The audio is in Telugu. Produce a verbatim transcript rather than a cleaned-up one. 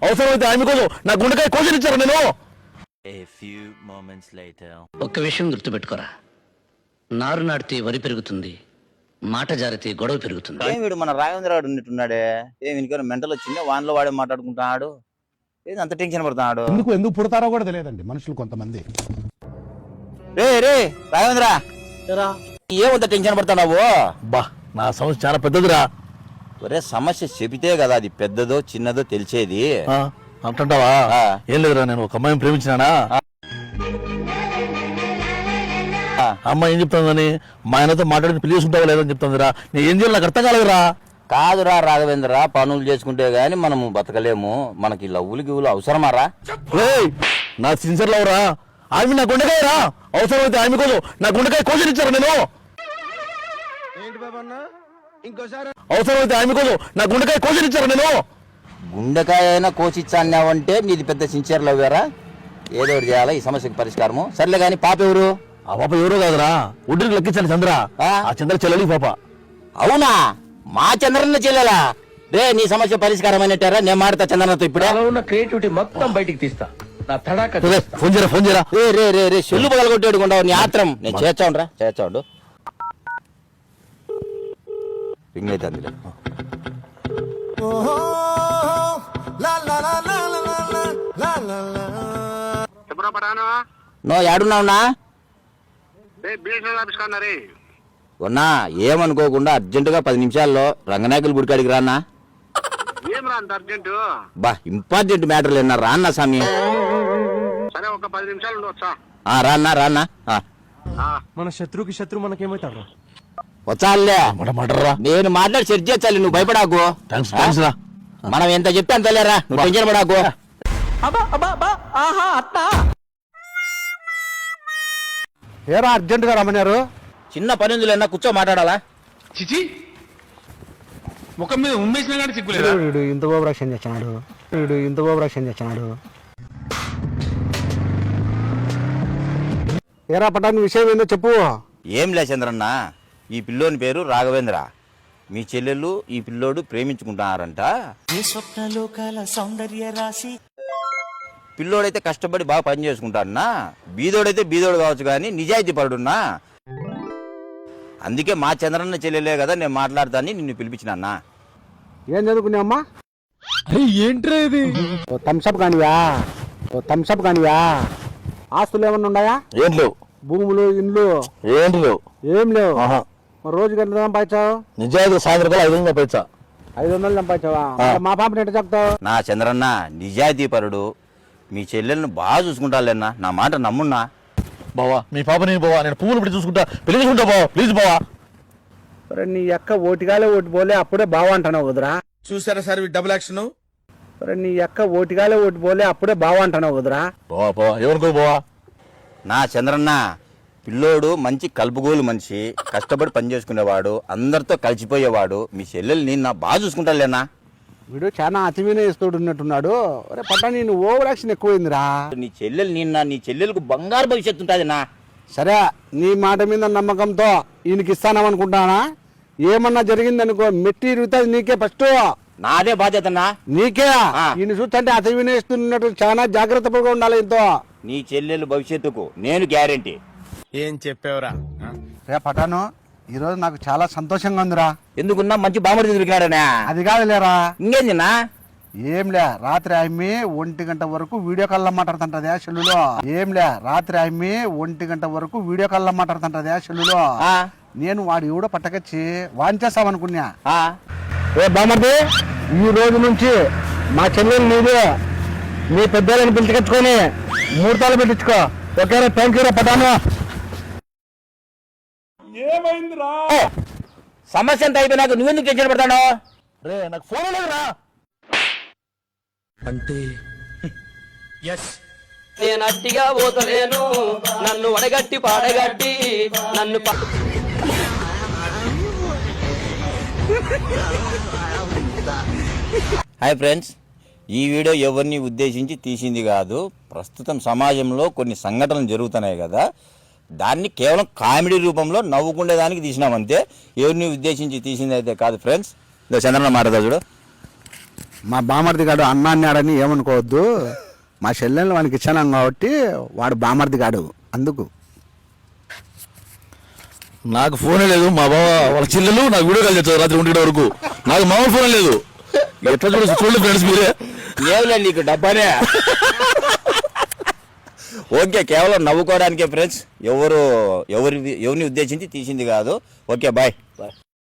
అవసరమైతే ఆమె కోసం నా గుండెకాయ కోసినిచ్చారు నేను. ఒక్క విషయం గుర్తుపెట్టుకోరా, నారు నాటితే వరి పెరుగుతుంది, మాట జారితే గొడవ పెరుగుతుంది. ఏం వీడు మన రాఘవేంద్రరావు ఉన్నట్టున్నాడే, ఏం వీనికి మెంటల్ వచ్చిందే, వాన్లో వాడే మాట్లాడుకుంటున్నాడు, ఏది అంత టెన్షన్ పడుతున్నాడు. ఎందుకు ఎందుకు పుడతారో కూడా తెలియదండి మనుషులు కొంతమంది. రే రే రాఘవేంద్ర, ఏమంత టెన్షన్ పడుతున్నావు? బా నా సమస్య చాలా పెద్దదిరా. ఒరే సమస్య చెబితే కదా అది పెద్దదో చిన్నదో తెలిసేది. అంటుంటావా? ఏం లేదురా, నేను ఒక అమ్మాయిని ప్రేమించినానా, అమ్మాయి ఏం చెప్తాందని మా ఆయనతో మాట్లాడి పెళ్లి చేసుకుంటావా లేదని చెప్తాందిరా. నేను ఏం చేయాలి నాకు అర్థం కాలేదురా. కాదురా రాఘవేంద్ర, పనులు చేసుకుంటే గానీ మనము బతకలేము, మనకి లవ్వులు గివ్వులు అవసరమారా? నా సిన్సియర్ లవ్ రా, ఆమె నా గుండెకాయ రా, అవసరమైతే ఆమె కోసం నా గుండెకాయ కోసినిచ్చారు నేను. అవసరమైతే ఆమె కోసం నా గుండెకాయ కోసినిచ్చారు నేను. గుండెకాయ అయినా కోసిచ్చాన్నావంటే నీది పెద్ద సిన్సియర్ లవ్వేరా. ఏదో ఒకటి చేయాలా ఈ సమస్యకి పరిష్కారము. సర్లే గాని పాప ఎవరు? ఆ పాప ఎవరో కాదురా, ఒడ్డుకి లెక్కించాను చంద్ర, ఆ చంద్ర చెల్లెలి పాప. అవునా? మా చంద్రన్న చెల్లెలా? రే నీ సమస్య పరిష్కారం అయినట్టారా? నేను మాడతా చంద్రన్నతో ఇప్పుడే. ఉన్న క్రియేటివిటీ మొత్తం బయటికి తీస్తా. ఫోన్ చేయరా ఫోన్ చేయరా. రే రే రే రే చెల్లు పగలగొట్టేడుకుంటావు నీ ఆత్రం. నేను చేర్చావురా చేర్చాడు. రింగ్ అయితే అందులో నో ఏడున్నావునా? ఉన్నా ఏమనుకోకుండా అర్జెంటుగా పది నిమిషాల్లో రంగనాయకుల గుడికాడికి రానా? బా ఇంపార్టెంట్ మ్యాటర్లు ఏమన్నా రాన్నా స్వామి? రాన్నా రాన్నా. మన శత్రుకి శత్రు మనకేమైతాడు? వచ్చాలే నేను మాట్లాడి సెట్ చేయాలి, నువ్వు భయపడాకు. మనం ఎంత చెప్తే అంత లేరా, నువ్వు టెన్షన్ పడాకు. ఏరా అర్జెంట్ గా రమ్మన్నారు? చిన్న పని ఉందిలేనా, కూర్చో మాట్లాడాలా? చిచి ముఖం మీద ఉమ్మేసినా కానీ సిగ్గులేదా? వీడు ఇంత బాబు రక్షణ చేస్తున్నాడు, వీడు ఇంత బాబు రక్షణ చేస్తున్నాడు. ఏరా పటాని విషయం ఏందో చెప్పు. ఏం లే చంద్రన్న, ఈ పిల్లోని పేరు రాఘవేంద్ర. మీ చెల్లెళ్ళు ఈ పిల్లోడు ప్రేమించుకుంటున్నారంట. పిల్లోడైతే కష్టపడి బాగా పని చేసుకుంటాడన్నా, బీదోడైతే బీదోడు కావచ్చు కానీ నిజాయితీ పడున్నా. అందుకే మా చంద్రన్న చెల్లెలే కదా నేను మాట్లాడతాని నిన్ను పిలిపించినా. ఏం చదువుకున్నావమ్మా? ఏంట్రా ఇది? థమ్స్అప్ కానివా? థమ్స్అప్ కానివా? ఆస్తులు ఏమన్నా ఉన్నాయా? ఏం లేవు. భూములు ఇండ్లు ఏంటి లేవు? ఏం లేవు. మరి రోజుకి ఎంత సంపాదించావు? నిజాయితీ సాయంత్రం ఐదు వందలు సంపాదించా. ఐదు వందలు సంపాదించావా? మా పాపని ఎట్లా చెప్తావు? నా చంద్రన్న నిజాయితీ పరుడు, మీ చెల్లెలను బాగా చూసుకుంటాలేనా, నా మాట నమ్మున్నా. బావా మీ పాప నేను బావా, నేను పువ్వులు పెట్టి చూసుకుంటా, పెళ్లి చేసుకుంటా బావా, ప్లీజ్ బావా. నీ అక్క ఓటిగాలే ఓటి పోలే అప్పుడే బావా అంటున్నావు కుదరా? చూసారా సార్ డబుల్ యాక్షన్? నీ అక్క ఓటిగాలే ఓటి పోలే అప్పుడే బావా అంటున్నావు కుదరా? బావా బావా ఏమనుకో బావా. నా చంద్రన్న పిల్లోడు మంచి కలుపుగోలు మనిషి, కష్టపడి పని చేసుకునేవాడు, అందరితో కలిసిపోయేవాడు. మీ చెల్లెలు నిన్న బాగా చూసుకుంటాలేనా? వీడు చాలా అతివిన ఇస్తూడు ఉన్నట్టున్నాడు. అరే పట్టా నేను ఓవర్ యాక్షన్ ఎక్కువైందిరా. నీ చెల్లెలు నిన్న నీ చెల్లెలకు బంగారు భవిష్యత్తు ఉంటుంది నా. సరే నీ మాట మీద నమ్మకంతో ఈయనకి ఇస్తానమనుకుంటానా? ఏమన్నా జరిగిందనుకో మెట్టి ఇరుగుతుంది నీకే ఫస్ట్. నాదే బాధ్యతనా? నీకే. ఈయన చూస్తుంటే అతివిన ఇస్తున్నట్టు చాలా జాగ్రత్తగా ఉండాలి. ఇంతో నీ చెల్లెలు భవిష్యత్తుకు నేను గ్యారెంటీ. ఏం చెప్పావురా? రే పటాను ఈ రోజు నాకు చాలా సంతోషంగా ఉందిరా. ఎందుకున్నా మంచి బామడి దొరికినాడనా? అది కాదు లేరా. ఇంకేందినా? ఏంలే రాత్రి ఆమె ఒంటి గంట వరకు వీడియో కాల్ లో మాట్లాడుతుంటదే సెల్లులో. ఏంలే రాత్రి ఆమె ఒంటి గంట వరకు వీడియో కాల్ లో మాట్లాడుతుంటదే సెల్లులో. నేను వాడు ఎవడో పట్టకొచ్చి వాంచేస్తామనుకున్నా. ఏ బామర్ది, ఈ రోజు నుంచి మా చెల్లెలు నీదే, మీ పెద్దలను పిలిచికొచ్చుకొని ముహూర్తాలు పెట్టించుకో. ఓకేనా? థ్యాంక్ యూ రా పటాను. ఏమైందిరా? సమస్య అంతా అయిపోయినాక నువ్వెందుకు టెన్షన్ పడతాను? రే నాకు ఫోన్ లేదురా. అంటే నేను అట్టిగా పోతలేను, నన్ను వడగట్టి పాడగట్టి నన్ను. హాయ్ ఫ్రెండ్స్, ఈ వీడియో ఎవరిని ఉద్దేశించి తీసింది కాదు. ప్రస్తుతం సమాజంలో కొన్ని సంఘటనలు జరుగుతున్నాయి కదా, దాన్ని కేవలం కామెడీ రూపంలో నవ్వుకునేదానికి తీసినామంతే. ఎవరిని ఉద్దేశించి తీసింది అయితే కాదు ఫ్రెండ్స్. చంద్రన్న మాట్లాడదా చూడు. మా బామర్ది గాడు అన్న అన్నాడని ఏమనుకోవద్దు. మా చెల్లెళ్ళు వానికి ఇచ్చాను కాబట్టి వాడు బామర్ది గాడు అందుకు. నాకు ఫోనే లేదు. మా బావ వాళ్ళ చెల్లెలు నాకు వీడియో కాల్ చేస్తారు రాత్రి ఒంటి గంట వరకు. నాకు మామూలు ఫోన్ లేదు. ఎట్లా చూడ చూడండి ఫ్రెండ్స్ మీరే. ఏమిలే నీకు డబ్బానే. ఓకే, కేవలం నవ్వుకోవడానికే ఫ్రెండ్స్. ఎవరు ఎవరి ఎవరిని ఉద్దేశించి తీసింది కాదు. Okay, bye bye.